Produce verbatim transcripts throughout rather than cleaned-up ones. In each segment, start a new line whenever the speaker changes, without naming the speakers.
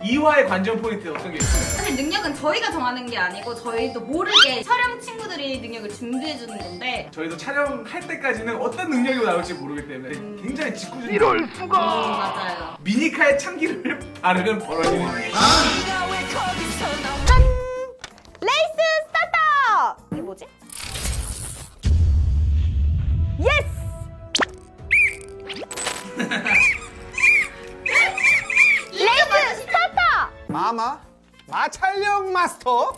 이 화의 관전 포인트 어떤 게 있어요?
사실 능력은 저희가 정하는 게 아니고 저희도 모르게 촬영 친구들이 능력을 준비해주는 건데
저희도 촬영할 때까지는 어떤 능력이 나올지 모르기 때문에
음.
굉장히 짓궂은
이럴 수가.
음, 맞아요.
미니카에 참기름을 바르면 벌어지는 일.
짠! 레이스 스타트! 이게 뭐지? 예스! 레이스 스타트!
마마 마찰력 마스터.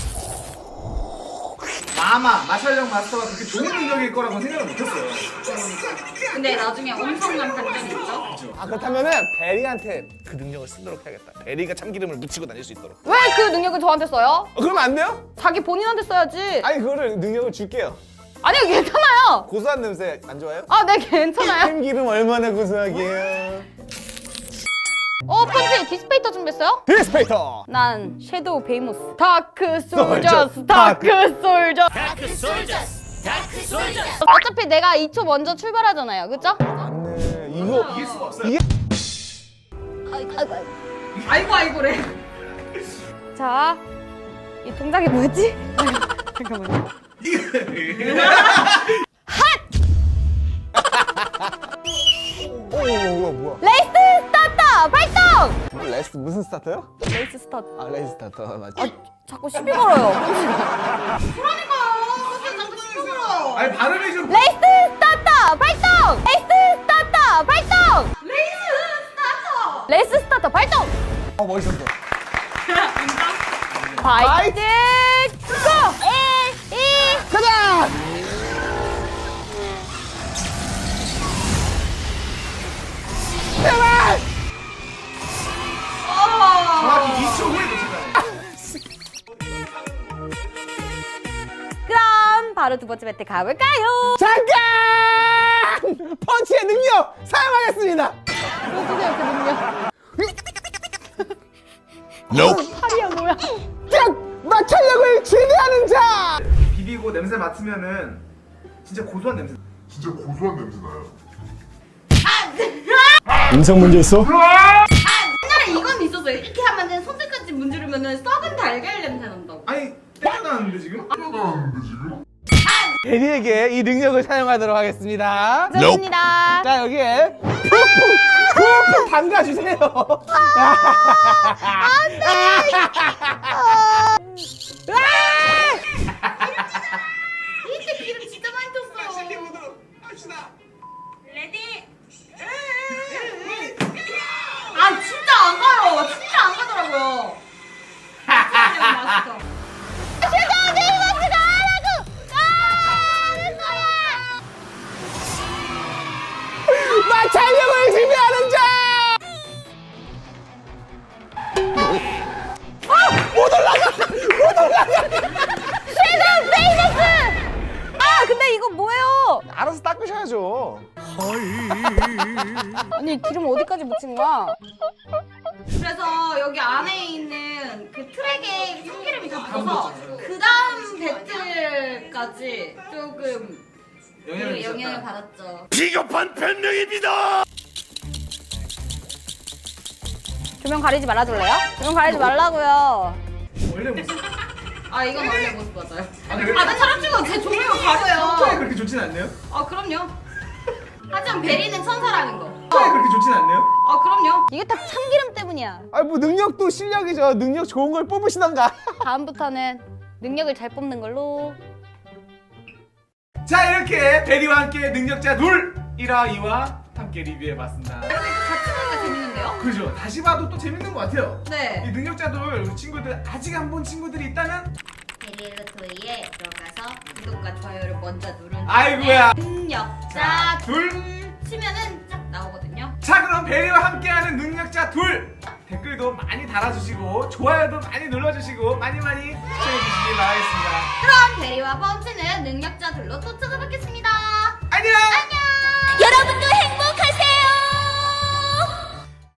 마마, 마찰력 마스터가 그렇게 좋은 능력일 거라고 생각을 못했어요.
근데 나중에 엄청난 반전이 있죠.
아 그렇다면은 베리한테 그 능력을 쓰도록 해야겠다. 베리가 참기름을 묻히고 다닐 수 있도록.
왜 그 능력을 저한테 써요?
어, 그러면 안 돼요?
자기 본인한테 써야지.
아니 그거를 능력을 줄게요.
아니요, 괜찮아요.
고소한 냄새 안 좋아요?
아, 네, 괜찮아요.
참기름 얼마나 고소하게요.
어, 펀치 디스페이터 준비했어요?
디스페이터.
난 섀도우 베이모스. 다크
솔저스,
솔저스, 다크 솔저스. 어차피 내가 이 초 먼저 출발하잖아요, 그쵸?
맞네. 이거
이길 수가 없어요.
이게
아이고 아이고래.
자, 이 동작이 뭐였지? 잠깐만요.
오, 뭐야 뭐야.
레이스 스타트! 발동!
뭐, 레스 무슨 스타터요?
레이스 스타트.
아 레이스 스타터 맞지?
아, 자꾸 시비 걸어요.
그러니까요. 어떻게 자꾸 시끄러워.
아니 발음이 좀
레이스 스타트! 발동! 레이스 스타트! 발동!
레이스 스타터.
레이스 스타트! 발동!
어 멋있었어.
파이팅! 고! 일, 이,
가자. 제발.
정확히 이 초 후에 놓친다.
그럼 바로 두 번째 배트 가볼까요?
잠깐! 펀치의 능력 사용하겠습니다.
보여주세요, 그 능력.
Nope.
팔이야, 뭐야?
짝! 마찰력을 지배하는 자!
비비고 냄새 맡으면은 진짜 고소한 냄새.
진짜 고소한 냄새 나요.
인성 문제 있어?
옛날에 이건 있었어요. 이렇게 하면은 손끝까지 문지르면은 썩은 달걀 냄새 난다고.
아니 때려나는데 지금?
나는데 지금?
베리에게 이 능력을 사용하도록 하겠습니다.
좋습니다.
자 여기에 푹푹 푹푹 담가주세요.
이때 기름 진짜 많이 떴어요. 레디. 아 진짜 안 가요. 진짜 안 가더라고요. 맛있어.
섀도우 베이모스가 하라고! 아, 내 거야!
마찰력을 지배하는 자!
섀도우 베이모스! 아, 근데 이거 뭐예요?
알아서 닦으셔야죠.
아니, 기름 어디까지 묻힌 거야?
그래서 여기 안에 있는 그 트랙에 참기름이 다 묻어서 그 다음 배틀까지 조금
영향을
그 영향을
미쳤다.
받았죠.
비겁한 변명입니다.
조명 가리지 말아줄래요? 조명 가리지 말라고요.
원래 무슨
아 이건 원래 모습 맞아요.
아, 그래?
다른 사람 치고 제 조명을
성격이
가려요.
그렇게 좋진 않네요?
아 그럼요. 하지만 베리는 천사라는 거.
성격이 그렇게 좋진 않네요?
아 그럼요.
이게 다 참기름 때문이야.
아니 뭐 능력도 실력이죠. 능력 좋은 걸 뽑으시던가.
다음부터는 능력을 잘 뽑는 걸로.
자 이렇게 베리와 함께 능력자 둘 일 화, 이 화 함께 리뷰해봤습니다.
같이 보니까 재밌는데요?
그죠? 다시 봐도 또 재밌는 것 같아요. 이
네.
능력자들 우리 친구들 아직 안 본 친구들이 있다면
베리루토이에 들어가서 구독과 좋아요를 먼저 누른
아이고야.
능력자
둘.
치면은 쫙 나오거든요.
자 그럼 베리와 함께하는 능력자 둘 댓글도 많이 달아주시고 좋아요도 많이 눌러주시고 많이 많이 시청해주시기 바라겠습니다.
그럼 베리와 펀치는 능력자 둘로 또 찾아뵙겠습니다.
안녕.
안녕.